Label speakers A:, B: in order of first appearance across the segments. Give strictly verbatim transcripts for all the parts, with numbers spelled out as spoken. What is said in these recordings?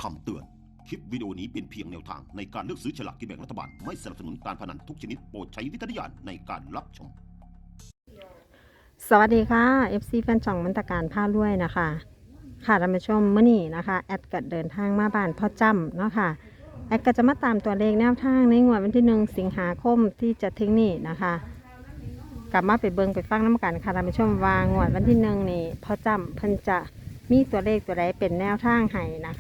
A: คำเตือน คลิปวิดีโอนี้เป็นเพียงแนวทางในการเลือกซื้อฉลากกินแบ่งรัฐบาล ไม่สนับสนุนการพนันทุกชนิดโปรดใช้วิจารณญาณในการรับชม
B: สวัสดีค่ะ เอฟ ซี แฟนช่องมันตการผ้าด้วยนะคะ ค่ะท่านผู้ชมเมื่อนี้นะคะแอดก็เดินทางมาบ้านพ่อจ้ำเนาะค่ะแอดก็จะมาตามตัวเลขแนวทางในงวดวันที่หนึ่งสิงหาคมที่จะถึงนี้นะคะกลับมาไปเบิงไปฟังน้ำกันค่ะท่านผู้ชมว่างวดวันที่หนึ่งนี่พ่อจ้ำเพิ่นจะมีตัวเลขตัวใดเป็นแนวทางให้นะคะ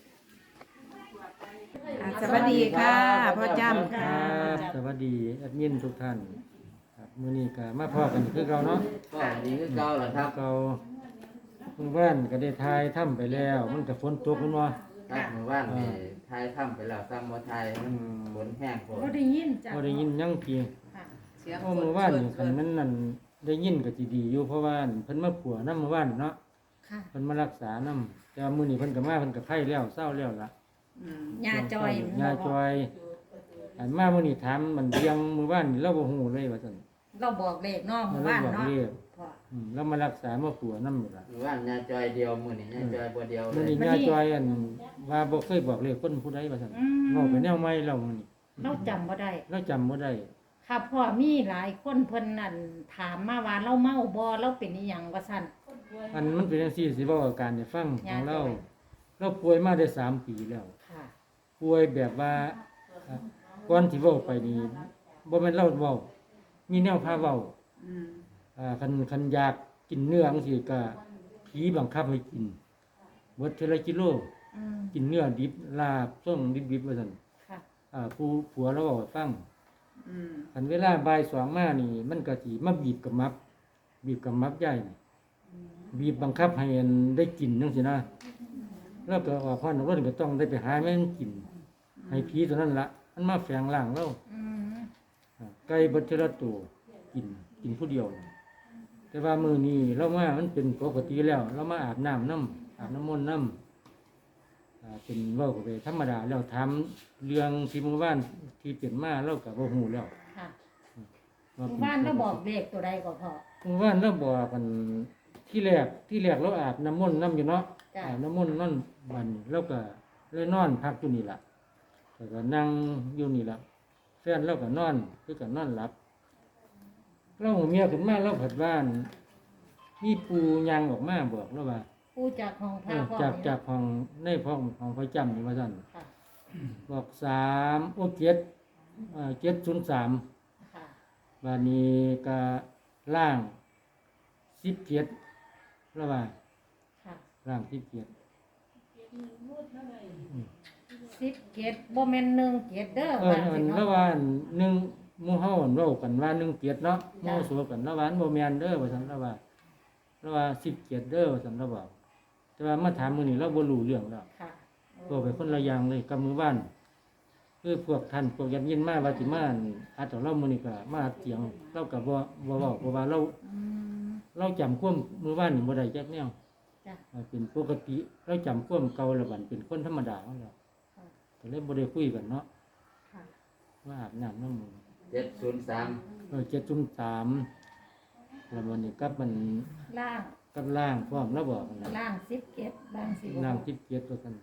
C: อ่าสวัสดีค่ะพ่อจ้ำ
D: ค
C: ค่ะ
D: รับสวัสดีแอดมินทุกท่านครับมื้อนี้ก็มาพอกันคือเก่าเนาะ
E: ก็ดีคือเก่าแหละครับ
D: เก่าเมื่อวานก็ได้ทายถ้ำไปแล้ว มันก็ฝนตกมันว่า
E: ครับเมื่อวานนี่ทายถ้ำไปแล้วซ้ำบ่ทายมันฝนแห้งฝน
C: ก็ได้ยินจ้ะ
D: บ่ได้ยินหยังกี่
C: ค่ะเสียง
D: เพราะเมื่อวานนี่คันมันนั่นได้ยินก็สิดีอยู่เพราะว่าเพิ่นมาปัวนำเมื่อวานเนาะ
C: ค่ะ
D: เพิ่นมารักษานำแต่ว่ามื้อนี้เพิ่นก็มาเพิ่นก็ไข้แล้วเศร้าแล้วล่ะ
C: ยาจอย
D: ยาจอยอันมามื้อนี้ถามมันเรียงมื้อวานนี่เราบ่ฮู้เลยว่าซั่น
C: เราบอกเลขเนาะห
D: มั
C: มู่
D: นเรา
C: บ้าน
D: บอก
C: เนาะ
D: เรียก
C: พ่อ
D: อืมแล้วมารักษามาปัวนำอยู่ล่ะ
E: เมื่อวานยาจอยเดียวมื้อนี้ยาจอยบ่เดียวเล
D: มัน
E: ย
D: นี่ยาจอยอันว่าบ่เคยบอกเลยคนผู้ใดว่าซั่น
C: อืม
D: เว้าไปแนวใหม่แล้วมันนี่
C: เราจำบ่ได้
D: เราจำบ่ได้
C: ค่ะพ่อมีหลายคนเพิ่นนั่นถามมาว่าเราเมาบ่เราเป็นอีหยังว่าซั่น
D: อันมันเป็นจังซี่สิเว้าอาการให้ฟังข
C: ยา
D: อง
C: จ
D: เรา
C: อย
D: เราป่วยมาได้สามปีแล้ว
C: ค่ะ
D: ป่วยแบบว่าอ่ะก่อนที่เว้าไปนี่บ่แม่นเราเว้ามีแนวพาเว้าอ่าคันคันอยากกินเนื้อจังซี่ก็ผีบังคับให้กินเบิดเทอละกิโล
C: อืม
D: กินเนื้อดิบลาบส้มดิบๆว่าซั่น
C: ค่ะ
D: อ่าผู้ผัวเราเว้าให้ฟัง อันเวลาบ่ายสองมานี่ มันก็สิมาบีบกับมับ บีบกับมับใหญ่นี่บีบบังคับให้อันได้กินจังซี่นะ แล้วก็ว่าพ่อหนุ่มก็ต้องได้ไปหาแม่นกิน ให้ผีตัวนั้นละมันมาแฝงร่างเรา
C: อืม
D: อ่าไก่เบัดเทอละตัวกินกินผู้เดียว แต่ว่ามื้อนี้เรามามันเป็นปกติแล้ว เรามาอาบน้ำน้ำอาบน้ำมนต์น้ำอ่าเป็นเว้าไปธรรมดาแล้วถามเรื่องที่เมื่อวานที่เป็นมาเราก็บ่ฮู้แล้ว
C: ค่ะ
D: ว่
C: หมู่
D: ป็
C: บ้านเราบอกเลขตัวใดก็พ่อ
D: เมื่อวานเราบอกกันที่แรกที่แรกเราอาบน้ำมนต์น้ำอยู่เนาะ
C: จ้ะ
D: อาบน้ำมนต์นั่นบัดนเราก็เลยนอนพักอยู่นี่ล่ะแล้วก็นั่งอยู่นี่ล่ะแฟนเราก็นอนคือก็นอนหลับเราหัวเมียขึ้นมาเราผัดบ้านมีปูยางออกมาบอกเราว่า
C: ผู้จากของพ
D: เอ
C: ระ
D: อ
C: พ่อ
D: จาก
C: นี่
D: จากห้องในห้องของพระจำนี่ว่าสั่น
C: ค่ะ
D: บอกสามโอ้เจ็ดอ่าเจ็ดศูนย์สาม
C: ค่ะ
D: บานนี้ก็ล่างสิบเจ็ดแล้วว่า
C: ค่ะ
D: ล่างสิบเจ็ด
C: สิบเกตบ่แม่นหนึ่งเกตเด้อ
D: เออ
C: ว่า
D: อั
C: สิ
D: น
C: เนาะ
D: แล้วว่าหนึ่งหมู่เฮาอันเว้ากันว่าหนึ่งเจ็ดเนาะห
C: จ้ะ
D: มู่โสกันแล้วว่าอันบ่แม่นเด้อว่าซั่นแล้วว่าแล้วว่าสิบเจ็ดเด้อว่าซั่นแล้วบอกแต่ว่ามาถามมื้อนี้เราบ่รู้เรื่องแล้ว
C: ค่ะ
D: ก็ไปคนละอย่างเลยกับมือบ้านคือพวกท่านพวกยันยินมาว่าสิมาอั่นอาจจะเล่ามื้อนี้ก็มาเถียงเราก็บ่บ่เว้าเพราะว่าเรา
C: อืม
D: เราจำความมือบ้านนี่บ่ได้จักแนว
C: จ้ะ
D: อ่าเป็นปกติเราจำความเก่าแล้วบัดเป็นคนธรรมดาของเรา
C: ค่ะ
D: ก็เลยบ่ได้คุยกันเนาะ
C: ค่ะ
D: ว่าอาบน้ำน้ำมือ
E: เจ็ดศูนย์สาม
D: เออเจ็ดจุ่มสามแล้ววันนี้กับมัน
C: ล่าง
D: กับล่างพร้อมแล้วบอกกันนะ
C: ล่างสิบเกตล่างสิบ
D: ล่างที่เกียรตัวกัน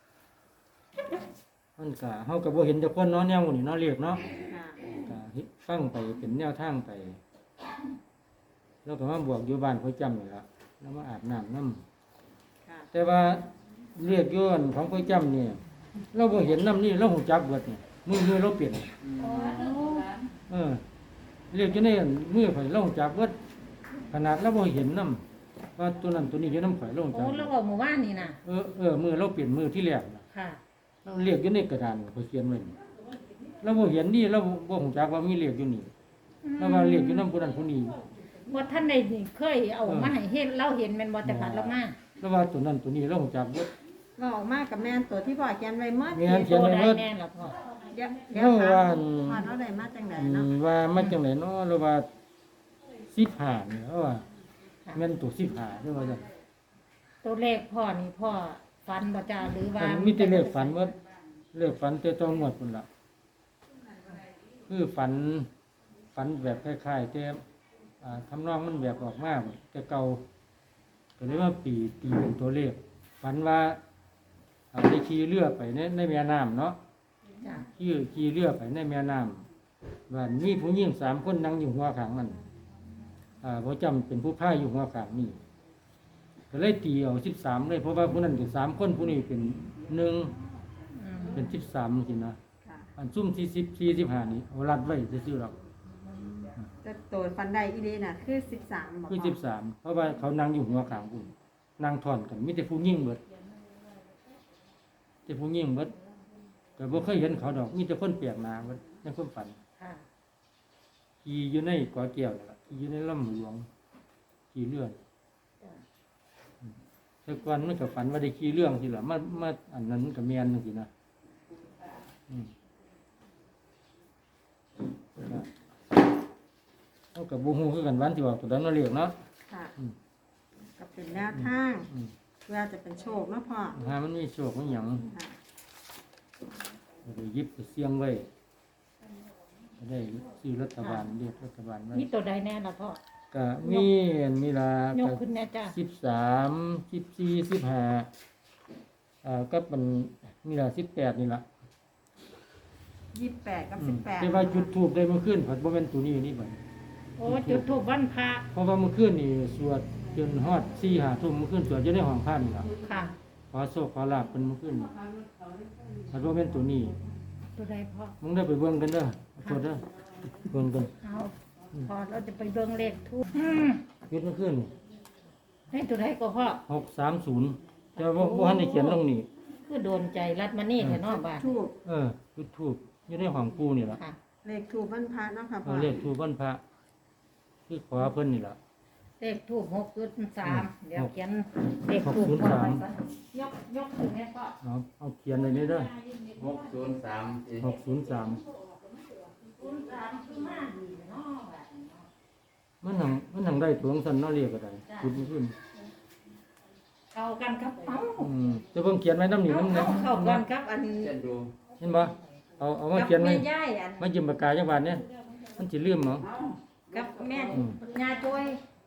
D: มันก็เฮาก็บ่เห็นแต่คนเนาะแนวนี้เนาะเรียกเนาะ
C: ค่ะ
D: ก็เฮ็ดฟังไปเป็นแนวทางไป แล้วก็มาบวกอยู่บ้านเขาจำนี่ละแล้วมาอาบน้ำน้ำ
C: ค่ะ
D: แต่ว่าเรียกย้อนของเขาจำเนี่ยเราบ่เห็นน้ำนี่เราหูจักเบิดเนี่ยมือมือเราเปลี่ยนเออเรียกอยู่ในมือข่อยเราหูจักเบิดขนาดเราบ่เห็นน้ำว่าตัวนั้นตัวนี้อยู่น้ำข่อยเราหูจั
C: โอ้
D: ก
C: แล้วบอกหมู่บ้านนี่นะ
D: เออเออมือเราเปลี่ยนมือที่แรกน่ะ
C: ค่ะ
D: เราเรียกอยู่ในกระดานเขาเขียนไว้นี่เราบ่เห็นนี่เราบ่หูจักว่ามีเรียกอยู่นี่เราว่าเรียกอยู่น้ำผู้นั้นผู้นี้
C: ว่าท่านใดนี่เคยเอามาให้เห็นเราเห็นแม่นบ่แต่ผัดเรามา
D: แล้วว่าตัวนั้นตัวนี้เราหูจักเบิด
B: เราออกมากับแม่นตัวที่พ่อเขียนไว้เมื่อ
D: แม่น
C: โตได้แน่ล่ะพ่อ
B: เดี๋ยวเดี๋ย
D: เรา
B: ว
D: ว่า
B: ถามพ่อเราได้มาจังได
D: อื
B: เนาะ
D: มว่ามาจังไหนเนาะเราว่าสิบห้าเนี่ยเราว่า
C: ค่ะ
D: แม่นตัวสิบห้าเด้อว่าซั่น
C: ตัวเลขพ่อนี่พ่อฟันบ่จ้าหรือว่า
D: มันมีแต่เลขฝันว่าเลขฝันแต่ต้องงวดพุ่นล่ะคือฝันฝันแบบคล้ายๆแต่อ่าทำนองมันแบบออกมาแต่เก่าก็เลยว่าปีตีเป็นตัวเลขฝันว่าอ่าได้ขี่เรือไปในในแม่น้ำเนาะ
C: จ้ะ
D: ขี่ขี่เรือไปในแม่น้ำว่ามีผู้หญิงสามคนนั่งอยู่หัวขางมันอ่าพอจำเป็นผู้พายอยู่หัวขางนี่ก็เลยตีเอาสิบสามเลยเพราะว่าผู้นั้นเป็นสามคนผู้นี้เป็นหนึ่ง
C: อืม
D: เป็นสิบสามจริงนะ
B: ค่ะ
D: อันซุ่มที่สิบสี่สิบห้านี่เอารัดไว้ซื่อๆหรอก
B: จะโตดฟันได้อีเดน่ะคือสิบสามบอก
D: คือสิบสามเพราะว่าเขานั่งอยู่หัวขางคุณนั่งถอนกันมีแต่ผู้ยิ่งเบิดแต่ผู้ยิ่งเบิดแต่บ่เคยเห็นเขาดอกมีแต่คนเปียกหนาเบิดในความฝัน
C: ค่ะ
D: ขี่อยู่ในเกาะแก้วนั่นล่ะขี่อยู่ในลำหลวงขี่เรือ
C: จ้ะ
D: แต่ก่อนมันก็ฝันว่าได้ขี่เรื่องสิล่ะมามาอันนั้นมันก็แม่นจังซี่นะอืมก็เอากับบ่ฮู้คือกันวันที่ว่าตัวนั้นเราเรียกเนาะ
B: ค่ะ
D: อืม
B: ก็เป็นแนวทาง
D: อืม
B: เพื่อจะเป็นโชคเนาะพ่อ
D: หามันมีโชคมีหยัง
B: ค่ะ
D: ก็ได้หยิบไปเสี่ยงไว้ก็ได้ซื้อรัฐบาลเรียกรัฐบาลไว้
C: มีตัวใดแน่ล่ะพ่อ
D: ก็มีอันมีลาย
C: กขึ้นแน่จ้ะ
D: สิบสามสิบสี่สิบห้าอ่าก็เป็นมีลาสิบแปดนี่ล่ะ
B: ยี่สิบแปดกับ
D: อื
B: สิ
D: ม
B: บแปด
D: แต่ว่าจุดทูบได้เมื่อคืนผัดบ่แม่นตัวนี้นี่บัด
C: โอ้จุดธูปวันพระ
D: เพราะว่าเมื่อคืนนี่สวดจนฮอดสี่ห้าทุ่มเมื่อคืนสวดอยู่ในห้องพระนี่ล่ะ
C: ค่ะ
D: ขอโชคขอลาภเพิ่นเมื่อคืนนี่ผัดบ่แม่นตัวนี้
C: ตัวใดพ่อ
D: มึงได้ไปเบิ่งกันเด้อโทษเด้อเบิ่งกัน
C: เอาพอเราจะไปเบิ่งเลขทูปอืม
D: เฮ็ดเมื่อคืนนี่
C: ให้ตัวใดก็พ่อ
D: หกสามศูนย์แต่ว่าบ่ทันได้เขียนลงนี่
C: คือโดนใจรัดมานี่แท้เนาะบาด
B: ทูบ
D: เออจุดทูบอยู่ในห้องปูนี่ล่ะ
C: ค่ะ
B: เลขทูบวันพระเนาะค่ะพ่
D: เอา
B: อ
D: เลขทูบวันพระคือขอเพิ่นนี่ล่ะ
C: เลขทูปหกจุดสาม
D: อืม
C: เดี๋ยวเขียนเลขทูป
D: หกศูนย์
C: พ่อ
D: สาม
C: ไว้ก่อนยกยกถึงแม่พ่อ
D: เอาเอาเขียนเลยนี่เด้อ
E: หกศูนย์สาม
D: หกศูนย์สาม
C: ศูนย์สามคือมาดีเนาะบาดนี้เนาะ
D: มันหังมันหังได้ตัวของสันเนาะเรียกก็ได้จุดมันขึ้น
C: เข้ากันครับเอ้า
D: อืมจะเพิ่งเขียนไว้น้ำหนี
C: เอา
D: น้ำ
C: เข้า
D: เนี่ย
C: เข้ากันครับอัน
E: เช่นดู
D: เห็นบ่เอาเอามา
C: กับ
D: เขียนไว้
C: แม่ย่ายอัน
D: มาจิ้มปากกาจังหวัดเนี่ยมันสิลืมเหรอ
C: กับแม่
D: อืม
C: ยาจ้อย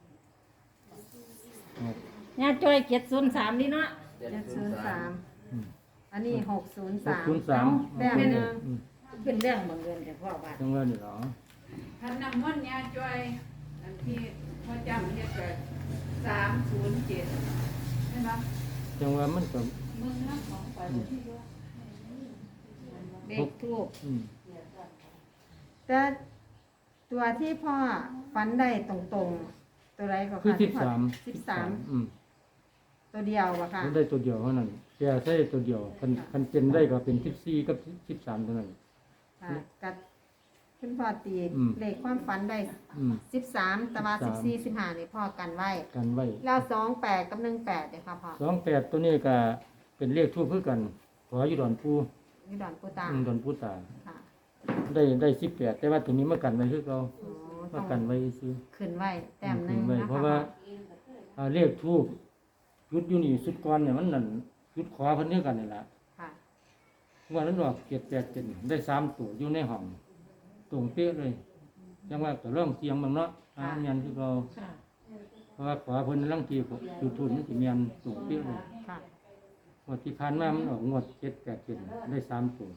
D: เอา
C: ยาจ้อยเจ็ดศูนย์สามนี่เนาะ
E: เจ็ด
B: เจ็ด
E: ศู
B: ศู
E: น
B: น
E: ย์
B: ย์
E: สา
B: สาม มอันนี้หกศูนย์
D: ห
B: สาก ม
D: ศูนย์สาม
B: แต้มหนึ่ง
D: อืม
C: เป็นเรื่องบังเอิญแต่พ่อว่า
D: จังหวัดนี่เหรอ
F: ท่านนำมนต์ยาจ้อยอันที่พ่อจำเฮ็ดเกิดสามศูนย์เจ็ดใช่ไหม
D: จังหวัดมันก็
F: มึงน้ำของไปที่ด้วย
C: เลขทูป
D: อืม
B: แต่ตัวที่พ่อฟันได้ตรงๆ ตัวไรก็
D: คือ
B: ค่ะ
D: สิบสาม
B: สิบสาม
D: อืม
B: ตัวเดียวอะค่ะ
D: มันได้ตัวเดียวเท่านั้นแกใช้ตัวเดียวคันคันเป็นได้ก็เป็นสิบสี่กับสิบสามเท่านั้น
B: ค่ะกับคุณพ่อตี
D: อืม
B: เลขความฝันได้
D: อืม
B: สิบสามแต่ว่า
D: สิ
B: สิ
D: บบ สาม
B: สี่สิบห้านี่พ่อกันไว้
D: กันไว้
B: แล้วสองแปดกับหนึ่งแปดเนี่ยค่ะพ่อ
D: สองแปดตัวนี้ก็เป็นเลขทูบเพื่อกัน ขออยู่ดอนปู
B: นี่ดอนปูตา
D: อืมดอนปูตา
B: ค่ะ
D: ได้ได้สิบแปดแต่ว่าตัวนี้มากันไว้คือเรา
B: อ๋อ
D: มา
B: ต้อง
D: กันไว้ซื้อ
B: ขึ้นไว้แต้มหนึ่
D: ขึ้
B: ง
D: นไว้
B: นะ
D: เพราะ
B: คะ
D: ว่าอ่าเลขทูบจุดอยู่นี่สุดก่อนเนี่ยมันนั่นจุดขอเพิ่นเนื้อกันนี่แหละ
B: ค่ะ
D: ว่านั้นดอกเกียรติแปดเจ็ดได้สามตัวอยู่ในห้องตรงเป๊ะเลยจังว่าก็เริ่มเสียงบางเนาะอ่าเมียนคือเรา
C: ค่ะ
D: เพราะว่าขอเพิ่นลังทีจุดทุนมันสิเมียนตรงเป๊ะเลย
B: ค่ะ
D: งวดที่ผ่านมามันออกงวดเจ็ดแปดเจ็ดได้สามตัว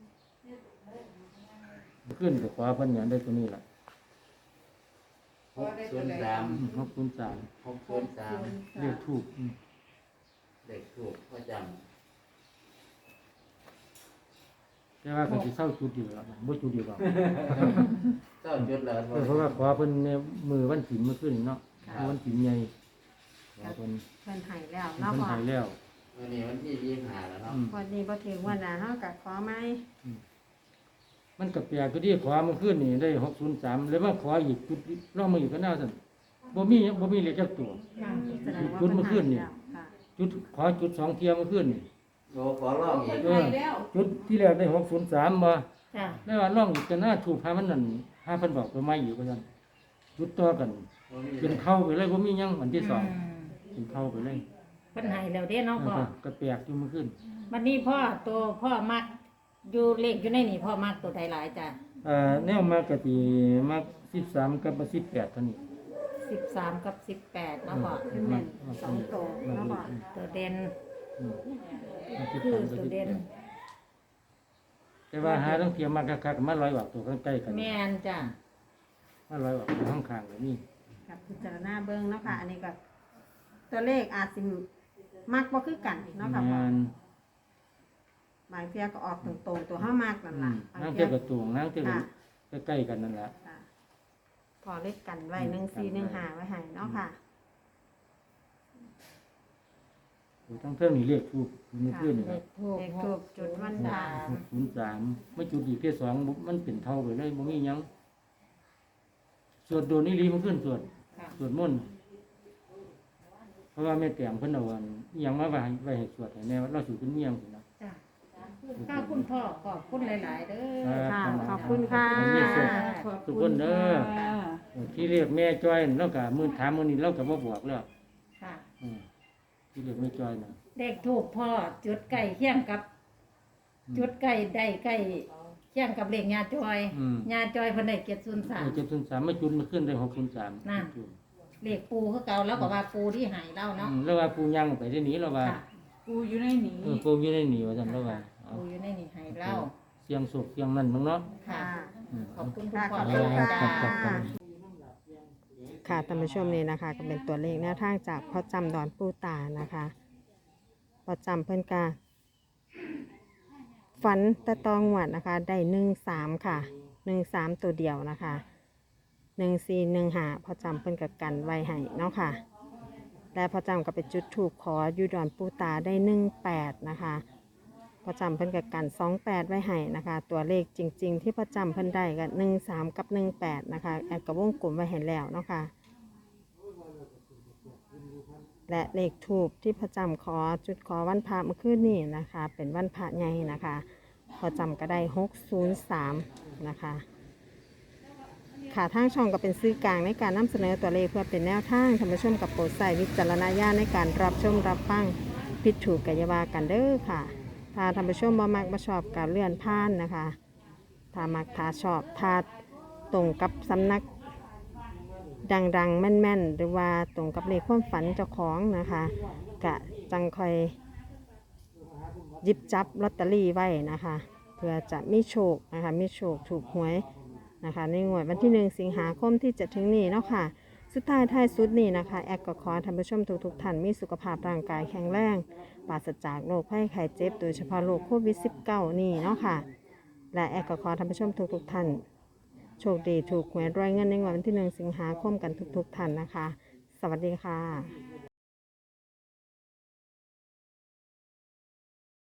D: ขึ้นกับขวาเพิ่นเนี่ยได้ตัวนี้แหละ
E: หกศูนย์สาม
D: หกศูนย์สาม
E: หกศูนย์สาม
D: เรียกถูกอืม
E: เด็กถูกพ่อจ
D: แต่ว่าก็สิเศร้าจุดอยู่แล้วบ่จุดอยู่หรอก
E: ำเจ้าจุดแล้ว
D: เออเพราะว่าขวาเพิ่นเนี่ยมือวันถิ่นเมื่อคืนเนาะวันถิ่นใหญ่ขวาเพิ่น
B: เพิ่นใหายแล้ว
D: เพิ่
B: เนาะ
D: น
B: พ่อ
D: หายแล้ว
E: วันนี้วันที่ยี่สิบห้าแล้วเนาะ
D: อืม
B: วันนี้บ่ถึงวันน่ะเฮาก็ขอไหม
D: มันก็แปลกก็ที่ขวาเมื่อคืนนี่ได้หกศูนย์สามแล้วมาขวาอีกจุดรอบมาอีกก็น่าสั่นบ่มีบ่มีเลขจักตัว
C: ค่ะ
B: แสดงว่า
D: จุดเมื่อคืนนี่
B: เพิ่ใหายแล้วค่ะ
D: จุดขอจุดสองเทียเมื่อคืนนี่
E: โลขอร้องอีก
F: เพิ่นให้แล้ว
D: จุดที่แรกได้หกศูนย์สามบ่
C: จ้ะ
D: ได้ว่าร่องอีกก็น่าถูกหามันนั่นหาเพิ่นบอกตัวใหม่อยู่ก็ซั่นจุดต่อกัน เป็นเข้าไปเลยบ่มีหยังวันที่สอง
C: ม
D: เป็นเข้าไปเลย
C: เพิ่นให้แล้วเด้เนาะพ่อ
D: แล้วก็แปลกอยู่เมื่อคืน
C: วันนี้พ่อตัวพ่อมักอยู่เลขอยู่ในนี่พ่อมักตัวใดหลายจ้ะ
D: อ่าแนวมากกะทิมากสิบสามกับสิบแปดเท่านี้
C: สิบสามกับสิบแปดเนาะพ่อ
B: คือแม่นสองโตเนาะพ่อ
C: ตัวเด่น
D: อืมมันสิบ
C: คือ
D: สามกับ
C: ตัว
D: สิบ
C: เด่น
D: แปดแต่ว่าหาทั้งเทียมมากคักๆมาลอยออกตัวใกล้ๆกัน
C: แม่นจ้ะ
D: มาลอยออกตัวข้างๆก็มี
B: กับพิจารณาเบิ่งเนาะค่ะ อันนี้ก็ตัวเลขอาจสิมักบ่คือกันเนาะค่ะพ่อ
D: งาน
B: บางเที่ยก็ออกตรงๆตัวเฮามากนั่น
D: อื
B: ล่ะ
D: ม
B: บาง
D: นั่ง
B: เที่
D: เที
B: ย
D: ยบกับตวงนั่งเทียบ
B: ค่ะ
D: กับใกล้ๆกันนั่นแหละ
B: ค่ะพอเลขกันไว้หนึ่งสี่หนึ่งห้าไว้ให้เนาะค่ะ
D: ทั้งเท่านี้เรียกทูบมันขึ้นนี่
C: เล
D: ครับ
C: ขทูบ
B: เลขทูปจุดวันพระ
D: หกศูนย์สามไม่จุดอีกเพียสองมันเป็นเท่าไปเลยบ่มีหยังสวดโดนนี่ลีมันขึ้นสวด
C: ค่ะ
D: สวดมนต์เพราะว่าแม่แต่งเพิ่นเอาอันอิหยังมาไว้ให้ไว้ให้สวดให้แม่ว่าเราสิเป็นเมียงสินะ
C: จ้ะข้าวคุณพ่อขอบคุณหลายๆเด้อ
B: ค่ะขอบคุณค่ะ
D: ขอบณสุขทุกคนเด้อที่เรียกแม่จ้อยแล้วก็มื้อถามมื้อนี้เราก็บ่บอกแล้ว
C: ค่ะ
D: อืมที่เรียกแม่จ้อยน่ะ
C: เลขทูบพ่อจุดไก่เคียงกับ จุดไก่ได้ไก่เคียงกับเลขยาจอย
D: อืม
C: ยาจอยเพิ่นได้เจ็ดศูนย์สาม
D: เจ็ดศูนย์สามมาจุดมาขึ้นได้หกศูนย์สาม
C: น่ะ เลขปูคือเก่าแล้วก็ว่าปูที่ใหายเล่าเนาะ
D: อืมแล้วว่าปูยังไปได้หนีแล้วว่า
C: ค่ะ
F: กูอยู่ในนี้
D: เออปูอยู่ในหนีว่าซั่นแล้วว่าเอา
C: ปูอยู่ในนี่ใหายเล่า
D: เสียงสุกเสียงนั่นมั้งเนาะ
C: ค่ะ
D: อืม
C: ขอบคุณคุณ
B: ค่ะ
C: พ่อ
B: ขอบคุณค่ะ
C: จ้า
D: ครับครับ
B: ค่ะท่านผู้ชมนี่นะคะ ก็เป็นตัวเลขแนวทางจากพ่อจำดอนปูตานะคะพ่อจำเพิ่นกาฝันตะตองหวัดนะคะ ได้หนึ่งสามค่ะหนึ่งสามตัวเดียวนะคะหนึ่งสี่หนึ่งหาพ่อจำเพิ่นกับกันไว้ให้เนาะค่ะและพ่อจำก็ไปจุดถูกขออยู่ดอนปูตาได้หนึ่งแปดนะคะพ่อจำเพิ่นกับกันสองแปดไว้ให้นะคะ ตัวเลขจริง ๆ ที่พ่อจำเพิ่นได้กับหนึ่งสามกับหนึ่งแปดนะคะแอดกับวงกลมไว้ให้แล้วเนาะค่ะ และเลขทูบที่พระจำขอจุดขอวันพระเมื่อคืนนี้นะคะ เป็นวันพระใหญ่นะคะพอจำก็ได้หกศูนย์สามนะคะค่ะทางช่องก็เป็นซื้อกลางในการนำเสนอตัวเลขเพื่อเป็นแนวทางท่านผู้ชมกับโปรดใส่วิจารณญาณในการรับชมรับฟังผิดถูกกัยาวากันเด้อค่ะ ถ้าท่านผู้ชมบ่มักบ่ชอบการเลื่อนผ่านนะคะถ้ามักถ้าชอบถ้าตรงกับสำนัก ดังๆ แม่นๆ หรือว่าตรงกับเลขความฝันเจ้าของนะคะกะจังคอยหยิบจับลอตเตอรี่ไว้นะคะ เพื่อจะมีโชคนะคะมีโชคถูกหวยนะคะในงวดวันที่หนึ่งสิงหาคมที่จะถึงนี้เนาะค่ะสุดท้ายท้ายสุดนี้นะคะแอดก็ขอท่านผู้ชมทุกๆท่านมีสุขภาพร่างกายแข็งแรงปราศจากโรคภัยไข้เจ็บโดยเฉพาะโรคโควิด สิบเก้า นี่เนาะค่ะและแอดก็ขอท่านผู้ชมทุกๆท่านโชคดีถูกหวยรวยเงินในวันที่หนึ่งสิงหาคมกันทุกๆท่านนะคะ สวัสดีค่ะ